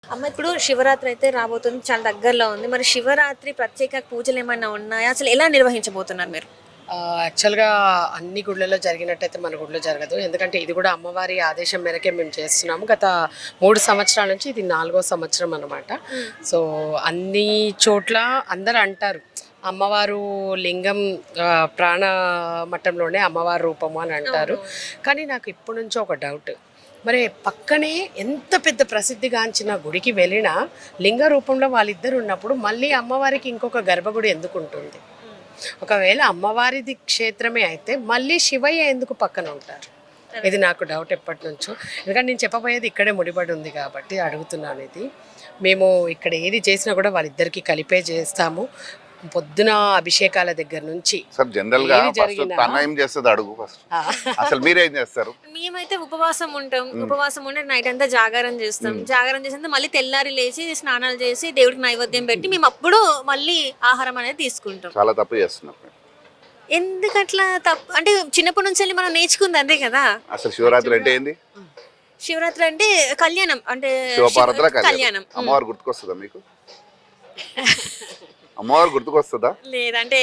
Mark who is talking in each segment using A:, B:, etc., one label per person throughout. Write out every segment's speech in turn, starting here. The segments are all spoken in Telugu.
A: అమ్మ ఇప్పుడు శివరాత్రి అయితే రాబోతుంది. చాలా దగ్గరలో ఉంది. మరి శివరాత్రి ప్రత్యేక పూజలేమన్నా ఉన్నాయా? అసలు ఎలా నిర్వహించబోతున్నారు మీరు?
B: యాక్చువల్‌గా అన్ని గుళ్ళల్లో జరిగినట్టయితే మన గుడిలో జరగదు. ఎందుకంటే ఇది కూడా అమ్మవారి ఆదేశం మేరకే మేము చేస్తున్నాము. గత 3 సంవత్సరాల నుంచి ఇది 4వ సంవత్సరం అనమాట. సో, అన్ని చోట్ల అందరూ అంటారు, అమ్మవారు లింగం ప్రాణ మట్టంలోనే అమ్మవారి రూపము అని అంటారు. కానీ నాకు ఇప్పటి నుంచో ఒక డౌట్. మరి పక్కనే ఎంత పెద్ద ప్రసిద్ధిగాంచిన గుడికి వెళ్ళినా లింగ రూపంలో వాళ్ళిద్దరు ఉన్నప్పుడు మళ్ళీ అమ్మవారికి ఇంకొక గర్భగుడి ఎందుకు ఉంటుంది? ఒకవేళ అమ్మవారిది క్షేత్రమే అయితే మళ్ళీ శివయ్య ఎందుకు పక్కన ఉంటారు? ఇది నాకు డౌట్ ఎప్పటి నుంచో. ఎందుకంటే నేను చెప్పబోయేది ఇక్కడే ముడిపడి ఉంది కాబట్టి అడుగుతున్నాను ఇది. మేము ఇక్కడ ఏది చేసినా కూడా వాళ్ళిద్దరికీ కలిపే చేస్తాము. పొద్దున అభిషేకాల దగ్గర నుంచి
C: సార్ జనరల్ గా ఫస్ట్ తన ఏం చేస్తుంది అడుగు ఫస్ట్. అసలు మీరేం చేస్తారు?
A: మేమైతే ఉపవాసం ఉంటాం. ఉపవాసం ఉండి నైట్ అంతా జాగారం చేస్తాం. జాగారం చేసిన మళ్ళీ తెల్లారి లేచి స్నానాలు చేసి దేవుడికి నైవేద్యం పెట్టి మేము అప్పుడు మళ్ళీ ఆహారం అనేది తీసుకుంటాం.
C: చాలా తప్పు చేస్తున్నారు.
A: ఎందుకట్లా తప్పు అంటే చిన్నప్పటి నుంచి వెళ్ళి మనం నేర్చుకుంది అంతే కదా.
C: అసలు శివరాత్రి అంటే ఏంది?
A: శివరాత్రి అంటే కళ్యాణం, అంటే
C: శివపార్వతుల
A: కళ్యాణం.
C: కళ్యాణం. అమ్మవారు గుర్తుకొస్తుందా మీకు? అమ్మవారు గుర్తుకొస్తుందా?
A: లేదంటే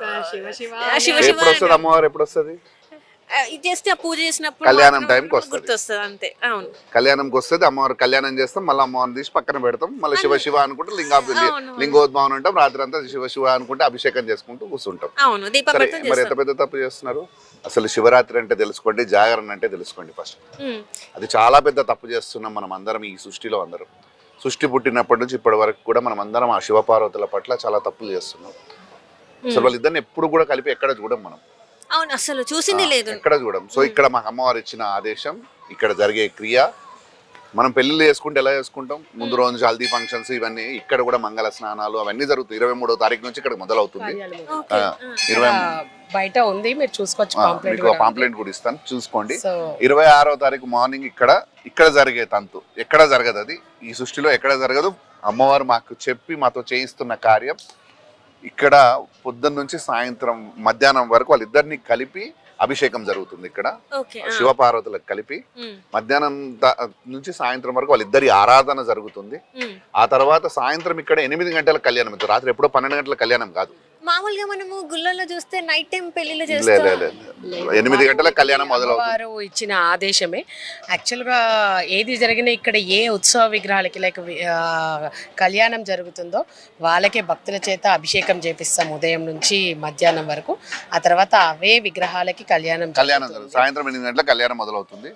A: శివ
C: ఎప్పుడు వస్తుంది అమ్మవారు? ఎప్పుడు వస్తుంది?
A: ఇది చేస్తే ఆ పూజ చేసినప్పుడు
C: కళ్యాణం టైంకి వస్తుంది.
A: గుర్తొస్తుంది అంతే. అవును,
C: కళ్యాణంకి వస్తుంది. అమ్మవారు కళ్యాణం చేస్తాం, మళ్ళీ అమ్మవారిని తీసి పక్కన పెడతాం, మళ్ళీ శివ శివ అనుకుంటే లింగోద్భావం ఉంటాం. రాత్రి అంతా శివ శివ అనుకుంటే అభిషేకం చేసుకుంటూ కూర్చుంటాం.
A: అవును.
C: మరి ఎంత పెద్ద తప్పు చేస్తున్నారు? అసలు శివరాత్రి అంటే తెలుసుకోండి, జాగరణ అంటే తెలుసుకోండి ఫస్ట్. అది చాలా పెద్ద తప్పు చేస్తున్నాం మనం అందరం, ఈ సృష్టిలో అందరం. సృష్టి పుట్టినప్పటి నుంచి ఇప్పటి వరకు కూడా మనం అందరం ఆ శివపార్వతుల పట్ల చాలా తప్పులు చేస్తున్నాం. అసలు వాళ్ళిద్దరిని ఎప్పుడు కూడా కలిపి ఎక్కడ చూడం మనం.
A: అవును, అసలు చూసింది లేదు,
C: ఎక్కడ చూడం. సో ఇక్కడ మాకు అమ్మవారు ఇచ్చిన ఆదేశం, ఇక్కడ జరిగే క్రియ. మనం పెళ్లిళ్ళు చేసుకుంటే ఎలా చేసుకుంటాం? ముందు రోజు హల్దీ ఫంక్షన్స్ ఇవన్నీ, ఇక్కడ కూడా మంగళ స్నానాలు అవన్నీ జరుగుతాయి. 23వ తారీఖు నుంచి ఇక్కడ మొదలవుతుంది. 20
B: బయట ఉంది, మీరు చూసుకోవచ్చు.
C: మీకు పాంప్లెట్ కూడా ఇస్తాను, చూసుకోండి. 26వ తారీఖు మార్నింగ్ ఇక్కడ జరిగే తంతు ఎక్కడ జరగదు. అది ఈ సృష్టిలో ఎక్కడ జరగదు. అమ్మవారు మాకు చెప్పి మాతో చేయిస్తున్న కార్యం. ఇక్కడ పొద్దున్న నుంచి సాయంత్రం మధ్యాహ్నం వరకు వాళ్ళిద్దరిని కలిపి అభిషేకం జరుగుతుంది. ఇక్కడ శివపార్వతులకు కలిపి మధ్యాహ్నం నుంచి సాయంత్రం వరకు వాళ్ళిద్దరి ఆరాధన జరుగుతుంది. ఆ తర్వాత సాయంత్రం ఇక్కడ 8 గంటల కళ్యాణం. రాత్రి ఎప్పుడో 12 గంటల కళ్యాణం కాదు.
A: మామూలుగా మనము గుళ్ళల్లో చూస్తే నైట్ టైం పెళ్లిళ్ళు చేస్తాం.
C: 8 గంటల కళ్యాణం మొదలవుతుంది.
B: వారు ఇచ్చిన ఆదేశమే. యాక్చువల్గా ఏది జరిగినా ఇక్కడ ఏ ఉత్సవ విగ్రహాలకి లైక్ కళ్యాణం జరుగుతుందో వాళ్ళకే భక్తుల చేత అభిషేకం చేపిస్తాం ఉదయం నుంచి మధ్యాహ్నం వరకు. ఆ తర్వాత అవే విగ్రహాలకి కళ్యాణం
C: సాయంత్రం 8 గంటల కళ్యాణం మొదలవుతుంది.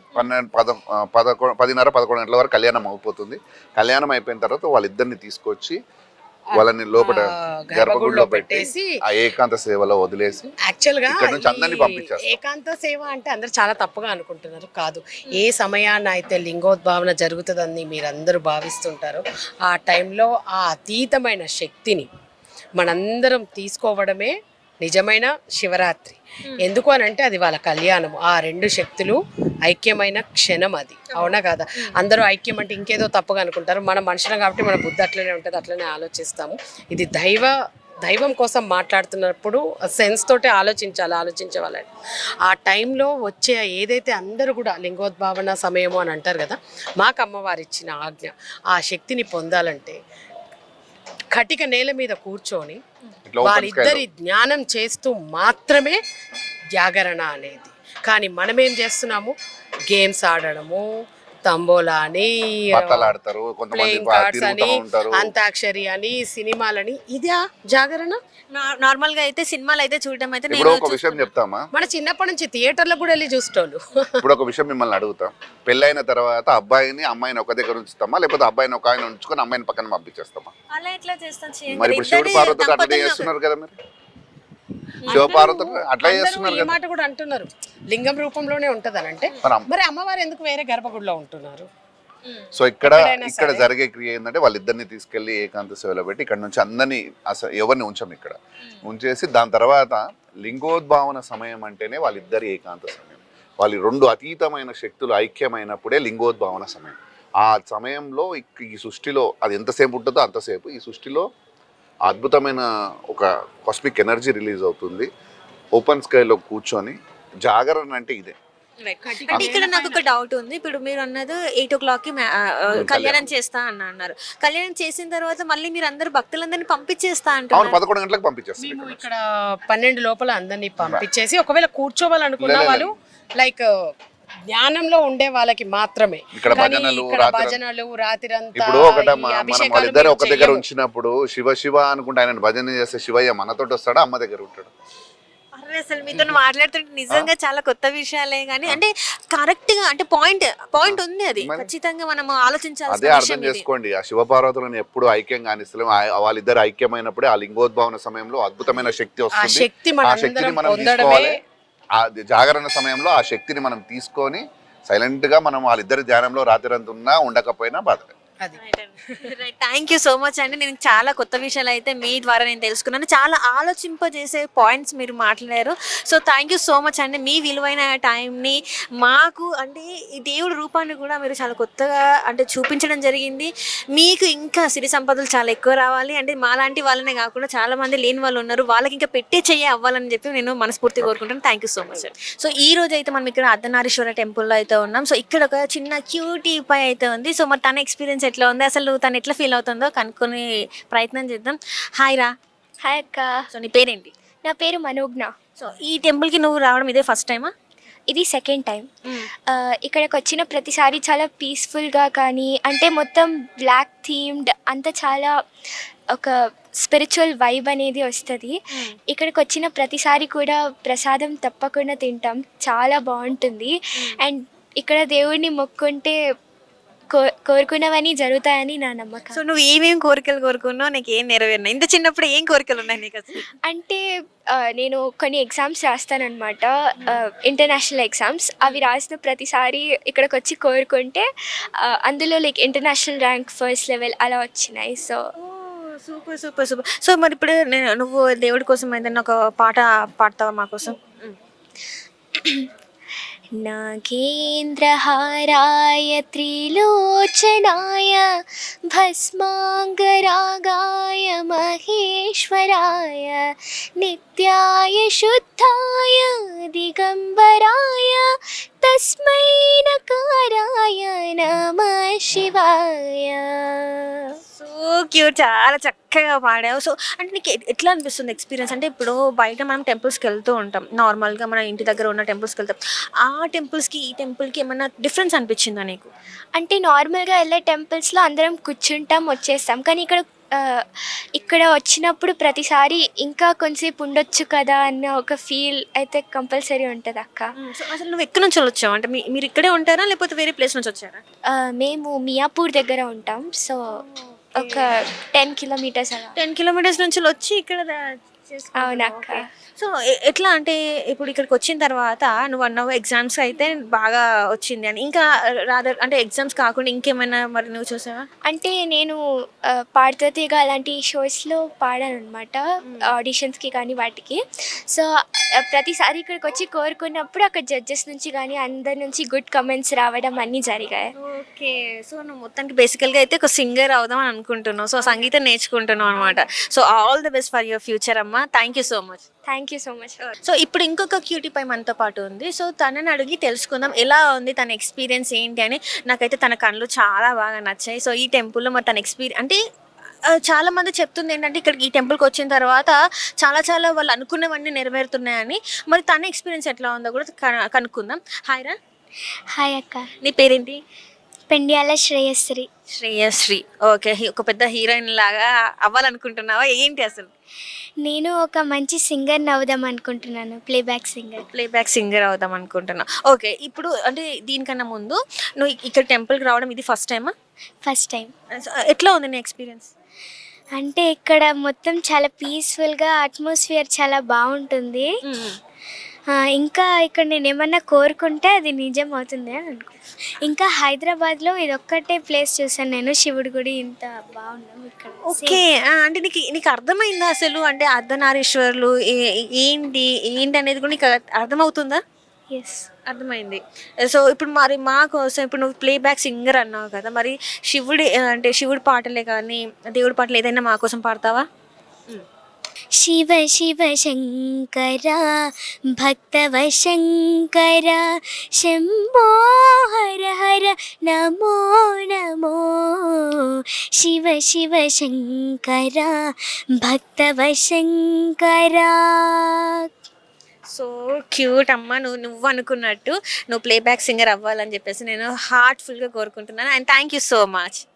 C: 10:30-11 గంటల వరకు కళ్యాణం అయిపోతుంది. కళ్యాణం అయిపోయిన తర్వాత వాళ్ళిద్దరిని తీసుకొచ్చి వాళ్ళని లోపల గర్భగుడిలో పెట్టేసి ఆ ఏకాంత సేవలో వదిలేసి
B: యాక్చువల్గా
C: అందరినీ పంపించారు.
B: ఏకాంత సేవ అంటే అందరు చాలా తప్పుగా అనుకుంటున్నారు. కాదు, ఏ సమయాన్ని అయితే లింగోద్భావన జరుగుతుందని మీరందరూ భావిస్తుంటారో ఆ టైంలో ఆ అతీతమైన శక్తిని మనందరం తీసుకోవడమే నిజమైన శివరాత్రి. ఎందుకు అని అంటే అది వాళ్ళ కళ్యాణం. ఆ 2 శక్తులు ఐక్యమైన క్షణం అది. అవునా కాదా? అందరూ ఐక్యం అంటే ఇంకేదో తప్పుగా అనుకుంటారు. మన మనుషులం కాబట్టి మన బుద్ధి అట్లనే ఉంటుంది, అట్లనే ఆలోచిస్తాము. ఇది దైవం కోసం మాట్లాడుతున్నప్పుడు సెన్స్ తోటి ఆలోచించే వాళ్ళని. ఆ టైంలో వచ్చే ఏదైతే అందరూ కూడా లింగోద్భావన సమయము అని అంటారు కదా, మాకు అమ్మవారు ఇచ్చిన ఆజ్ఞ. ఆ శక్తిని పొందాలంటే కటిక నేల మీద కూర్చొని వాళ్ళిద్దరి జ్ఞానం చేస్తూ మాత్రమే జాగరణ అనేది. కానీ మనమేం చేస్తున్నాము? గేమ్స్ ఆడడము, తంబోలా అని, ప్లేయింగ్ కార్డ్స్ అని, అంతాక్షరి అని, సినిమాలని. ఇదా జాగరణ?
A: నార్మల్ గా అయితే సినిమాలు అయితే చూడడం అయితే
C: ఒక విషయం చెప్తామా,
B: మన చిన్నప్పటి నుంచి థియేటర్లో కూడా వెళ్ళి చూసేటోళ్ళు.
C: ఇప్పుడు ఒక విషయం మిమ్మల్ని అడుగుతాం. పెళ్ళైన తర్వాత అబ్బాయిని అమ్మాయిని ఒక దగ్గర ఉంచుతామా, లేకపోతే అబ్బాయిని ఒక ఆయన ఉంచుకొని అమ్మాయిని పక్కన పంపించేస్తామా?
A: అలా ఎట్లా చేస్తాం?
C: మరి ఇప్పుడు శివుడు పార్వతులు అట్లా చేస్తున్నారు కదా, మీరు శివపార్వతులు అట్లా చేస్తున్నారు కదా.
B: మాట కూడా అంటున్నారు లింగం రూపంలోనే ఉంటదని. అంటే మరి అమ్మవారు ఎందుకు వేరే గర్భగుడిలో ఉంటున్నారు?
C: సో ఇక్కడ జరిగే క్రియ ఏంటంటే వాళ్ళిద్దరిని తీసుకెళ్లి ఏకాంత సేవలో పెట్టి ఇక్కడ నుంచి అందరినీ అసలు ఎవరిని ఉంచాం ఇక్కడ ఉంచేసి, దాని తర్వాత లింగోద్భావన సమయం అంటేనే వాళ్ళిద్దరి ఏకాంత సమయం. వాళ్ళ 2 అతీతమైన శక్తులు ఐక్యమైనప్పుడే లింగోద్భావన సమయం. ఆ సమయంలో ఈ సృష్టిలో అది ఎంతసేపు ఉంటుందో అంతసేపు ఈ సృష్టిలో అద్భుతమైన ఒక కాస్మిక్ ఎనర్జీ రిలీజ్ అవుతుంది. ఓపెన్ స్కైలో కూర్చొని జాగరణ అంటే ఇదే.
A: అంటే ఇక్కడ నాకు ఒక డౌట్ ఉంది. ఇప్పుడు మీరు అన్నది 8:00కి కళ్యాణం చేస్తా అన్నారు. కళ్యాణం చేసిన తర్వాత మళ్ళీ మీరు అందరు భక్తులందరినీ పంపించేస్తా
C: అవును
A: అంటారు.
C: 11 గంటలకు పంపించేస్తాం
B: మేము ఇక్కడ 12 లోపల అందరినీ పంపించేసి ఒకవేళ కూర్చోవాలనుకున్న వాళ్ళు లైక్ ధ్యానంలో ఉండే వాళ్ళకి మాత్రమే.
C: ఇక్కడ
B: కానీ
C: భజనలు,
B: ఇక్కడ
C: రాత్రి-
B: భజనలు రాత్రంతా
C: ఇప్పుడు ఒకట
B: ఈ
C: మనం
B: అభిషేకాలు
C: వాళ్ళిద్దరు
B: మేము
C: ఒక దగ్గర
B: చెయ్యము.
C: ఉంచినప్పుడు శివ శివ అనుకుంటే ఆయన భజన చేస్తే శివయ్య మనతోటి వస్తాడా అమ్మ దగ్గర ఉంటాడు?
A: అరే అసలు మీతో మాట్లాడుతుంటే నిజంగా చాలా కొత్త విషయాలే కానీ అంటే కరెక్ట్ గా అంటే పాయింట్ ఉంది అది ఖచ్చితంగా మనం
C: అదే
A: ఆలోచించాల్సిన
C: అర్థం
A: విషయం ఇది.
C: చేసుకోండి. ఆ శివపార్వతులను ఎప్పుడు ఐక్యంగా అనిస్తలేం. వాళ్ళిద్దరు ఐక్యమైనప్పుడే ఆ లింగోద్భవన సమయంలో అద్భుతమైన శక్తి
B: ఆ
C: వస్తుంది.
B: శక్తి
C: ఆ
B: మనందరం
C: శక్తిని మనం
B: పొందడమే
C: తీసుకోవాలి. ఆ జాగరణ సమయంలో ఆ శక్తిని మనం తీసుకొని సైలెంట్ గా మనం వాళ్ళిద్దరి ధ్యానంలో రాత్రి ఉన్నా ఉండకపోయినా బాధలే.
B: అది
A: థ్యాంక్ యూ సో మచ్ అండి. నేను చాలా కొత్త విషయాలు అయితే మీ ద్వారా నేను తెలుసుకున్నాను. చాలా ఆలోచింపజేసే పాయింట్స్ మీరు మాట్లాడారు. So thank you so much అండి. మీ విలువైన టైంని మాకు అంటే ఈ దేవుడి రూపాన్ని కూడా మీరు చాలా కొత్తగా అంటే చూపించడం జరిగింది. మీకు ఇంకా సిరి సంపదలు చాలా ఎక్కువ రావాలి అంటే మాలాంటి వాళ్ళనే కాకుండా చాలా మంది లేని వాళ్ళు ఉన్నారు. వాళ్ళకి ఇంకా పెట్టే చెయ్యి అవ్వాలని చెప్పి నేను మనస్ఫూర్తిగా కోరుకుంటాను. థ్యాంక్ యూ సో మచ్ అండి. సో ఈ రోజు అయితే మనం ఇక్కడ అర్ధనారీశ్వర టెంపుల్లో అయితే ఉన్నాం. సో ఇక్కడ ఒక చిన్న క్యూటీ పై అయితే ఉంది. సో మరి తన ఎక్స్పీరియన్స్ ఎట్లా ఉంది, అసలు తను ఎట్లా ఫీల్ అవుతుందో కనుక్కొని ప్రయత్నం చేద్దాం. హాయ్ రా.
D: హాయ్ అక్క,
A: సో నీ పేరేంటి?
D: నా పేరు మనోజ్ఞ.
A: సో ఈ టెంపుల్కి నువ్వు రావడం ఇదే ఫస్ట్ టైమా?
D: ఇది సెకండ్ టైం. ఇక్కడికి వచ్చిన ప్రతిసారి చాలా పీస్ఫుల్గా కానీ అంటే మొత్తం బ్లాక్ థీమ్డ్ అంతా చాలా ఒక స్పిరిచువల్ వైబ్ అనేది వస్తుంది. ఇక్కడికి వచ్చిన ప్రతిసారి కూడా ప్రసాదం తప్పకుండా తింటాం, చాలా బాగుంటుంది. అండ్ ఇక్కడ దేవుడిని మొక్కుంటే కోరుకున్నవన్నీ జరుగుతాయని నా నమ్మకం.
A: సో నువ్వు ఏమేమి కోరికలు కోరుకున్నావు, నీకు ఏం నెరవేరినాయి? ఇంత చిన్నప్పుడు ఏం కోరికలు ఉన్నాయి నీకు అసలు?
D: అంటే నేను కొన్ని ఎగ్జామ్స్ రాస్తానన్నమాట, ఇంటర్నేషనల్ ఎగ్జామ్స్. అవి రాసిన ప్రతిసారి ఇక్కడికి వచ్చి కోరుకుంటే అందులో like international rank first level అలా వచ్చినాయి. So
A: super super super. So మరి ఇప్పుడు నువ్వు దేవుడి కోసం ఏదైనా ఒక పాట పాడతావా మా కోసం?
D: నాగేంద్రహారాయ త్రిలోచనాయ భస్మాంగరాగాయ మహేశ్వరాయ నిత్యాయ శుద్ధాయ దిగంబరాయ తస్మై నకారాయ నమః శివాయ.
A: సో క్యూట్, చాలా చక్కగా పాడావు. సో అంటే నీకు ఎట్లా అనిపిస్తుంది ఎక్స్పీరియన్స్? అంటే ఇప్పుడు బయట మనం టెంపుల్స్కి వెళ్తూ ఉంటాం, నార్మల్గా మన ఇంటి దగ్గర ఉన్న టెంపుల్స్కి వెళ్తాం. ఆ టెంపుల్స్కి ఈ టెంపుల్కి ఏమన్నా డిఫరెన్స్ అనిపించిందా నీకు?
D: అంటే నార్మల్గా వెళ్ళే టెంపుల్స్లో అందరం కూర్చుంటాం వచ్చేస్తాం, కానీ ఇక్కడ వచ్చినప్పుడు ప్రతిసారి ఇంకా కొంచెంసేపు ఉండొచ్చు కదా అన్న ఒక ఫీల్ అయితే కంపల్సరీ ఉంటుంది అక్క.
A: సో అసలు నువ్వు ఎక్కడి నుంచి వచ్చావు? అంటే మీరు ఇక్కడే ఉంటారా లేకపోతే వేరే ప్లేస్ నుంచి వచ్చారా?
D: మేము మియాపూర్ దగ్గర ఉంటాం. సో ఒక 10 కిలోమీటర్స్ అలా.
A: 10 కిలోమీటర్స్ నుంచి వచ్చి ఇక్కడ
D: అవునక్క.
A: సో ఎట్లా అంటే ఇప్పుడు ఇక్కడికి వచ్చిన తర్వాత నువ్వు అన్నావు ఎగ్జామ్స్ అయితే బాగా వచ్చింది అని, ఇంకా రాదర్ అంటే ఎగ్జామ్స్ కాకుండా ఇంకేమైనా మరి నువ్వు చూసావా?
D: అంటే నేను పాడుతీగా అలాంటి షోస్లో పాడాను అనమాట, ఆడిషన్స్కి కానీ వాటికి. సో ప్రతిసారి ఇక్కడికి వచ్చి కోరుకున్నప్పుడు అక్కడ జడ్జెస్ నుంచి కానీ అందరి నుంచి గుడ్ కమెంట్స్ రావడం అన్నీ జరిగాయి.
A: ఓకే. సో నువ్వు మొత్తానికి బేసికల్గా అయితే ఒక సింగర్ అవుదాం అని అనుకుంటున్నావు, సో సంగీతం నేర్చుకుంటున్నావు అనమాట. So all the best for your future అమ్మా. Thank you so much.
D: Thank you so much.
A: So ఇప్పుడు ఇంకొక క్యూటీ పై మనతో పాటు ఉంది. సో తనని అడిగి తెలుసుకుందాం ఎలా ఉంది తన ఎక్స్పీరియన్స్ ఏంటి అని. నాకైతే తన కళ్ళు చాలా బాగా నచ్చాయి. సో ఈ టెంపుల్లో మరి తన ఎక్స్పీరియన్స్ అంటే చాలా మంది చెప్తుంది ఏంటంటే ఇక్కడికి ఈ టెంపుల్కి వచ్చిన తర్వాత చాలా వాళ్ళు అనుకున్నవన్నీ నెరవేరుతున్నాయని. మరి తన ఎక్స్పీరియన్స్ ఎట్లా ఉందో కూడా కనుక్కుందాం. హాయ్ రా.
D: హాయ్ అక్క,
A: నీ పేరేంటి?
D: పెండ్యాల శ్రేయశ్రీ.
A: శ్రేయశ్రీ. ఓకే. ఒక పెద్ద హీరోయిన్ లాగా అవ్వాలనుకుంటున్నావా ఏంటి అసలు?
D: నేను ఒక మంచి సింగర్ని అవుదాం అనుకుంటున్నాను, ప్లేబ్యాక్ సింగర్
A: అవుదాం అనుకుంటున్నా. ఓకే. ఇప్పుడు అంటే దీనికన్నా ముందు నువ్వు ఇక్కడ టెంపుల్కి రావడం ఇది ఫస్ట్ టైమా?
D: First time.
A: ఎట్లా ఉంది నీ ఎక్స్పీరియన్స్?
D: అంటే ఇక్కడ మొత్తం చాలా పీస్ఫుల్గా అట్మాస్ఫియర్ చాలా బాగుంటుంది. ఇంకా ఇక్కడ నేను ఏమన్నా కోరుకుంటే అది నిజం అవుతుంది అని అనుకో. ఇంకా హైదరాబాద్లో ఇదొక్కటే ప్లేస్ చూసాను నేను, శివుడి గుడి ఇంత బాగున్నాం ఇక్కడ.
A: ఓకే. అంటే నీకు అర్థమైందా అసలు అంటే అర్ధనారీశ్వరులు ఏంటి అనేది కూడా నీకు అర్థమవుతుందా?
D: ఎస్,
A: అర్థమైంది. సో ఇప్పుడు మరి మా కోసం ఇప్పుడు నువ్వు ప్లేబ్యాక్ సింగర్ అన్నావు కదా, మరి శివుడి పాటలే కానీ దేవుడి పాటలు ఏదైనా మా కోసం పాడతావా?
D: शिव शिव शङ्कर भक्तवशङ्कर शम्भो हर हर नमो नमो शिव शिव शङ्कर भक्तवशङ्कर.
A: సో క్యూట్ అమ్మ, నువ్వు అనుకున్నట్టు నువ్వు ప్లేబ్యాక్ సింగర్ అవ్వాలని చెప్పేసి నేను హార్ట్ఫుల్గా కోరుకుంటున్నాను. And thank you so much.